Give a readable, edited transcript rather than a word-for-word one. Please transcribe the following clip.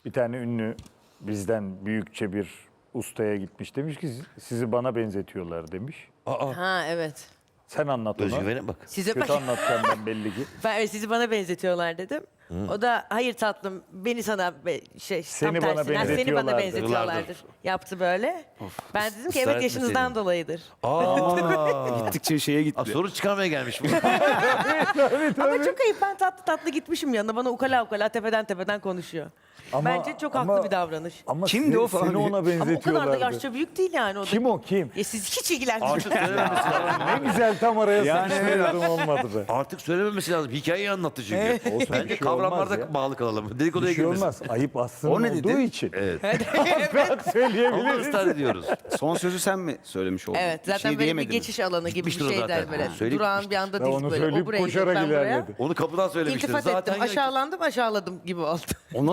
Bir tane ünlü bizden büyükçe bir ustaya gitmiş. Demiş ki sizi bana benzetiyorlar demiş. Ha evet. Sen anlat ona. Özgüvene bak. Size Kötü anlatacağım ben belli ki. ben sizi bana benzetiyorlar dedim. O da hayır tatlım beni sana Seni tam bana tersine, "Ha, seni bana benzetiyorlardır." benzetiyorlardır. Yaptı böyle. Ben dedim ki Israr evet yaşınızdan etmeseydin. dolayıdır. Gittikçe şeye gitti. Soru çıkarmaya gelmiş bu. Ama çok ayıp, ben tatlı tatlı gitmişim yanına, bana ukala ukala tepeden konuşuyor. Ama- Bence çok ama- haklı bir davranış. Ama Kimdi o falan Seni diye. ona Ama o kadar da benzetiyorlardı. yaşça büyük değil yani o da. Kim o kim? Ya siz hiç ilgilenmiyorsunuz. Artık söylememesi lazım. Ne güzel tam araya Yani sıkıştırıyordum olmadı be. Artık söylememesi lazım. Hikayeyi anlattı çünkü. Olsun, bir Bence şey kavramlarda olmaz ya. bağlı kalalım. Dedikoduya Bir şey girmesin. olmaz. Ayıp aslında O ne olduğu dedi? için. Evet. Ben Ama söyleyebilirim. ısrar ediyoruz. Son sözü sen mi söylemiş oldun? Evet, Bir zaten şey böyle bir diyemedin. geçiş alanı gibi bir Gitmiştir o şeyden zaten. böyle. Ha, söyleyip Durağın bir anda Ben değil onu böyle. O söyleyip buraya koşarak gidiyor, ben buraya. ilerledi. Onu kapıdan söylemiştir. İltifat Zaten ettim, aşağıladım, aşağıladım gibi oldu.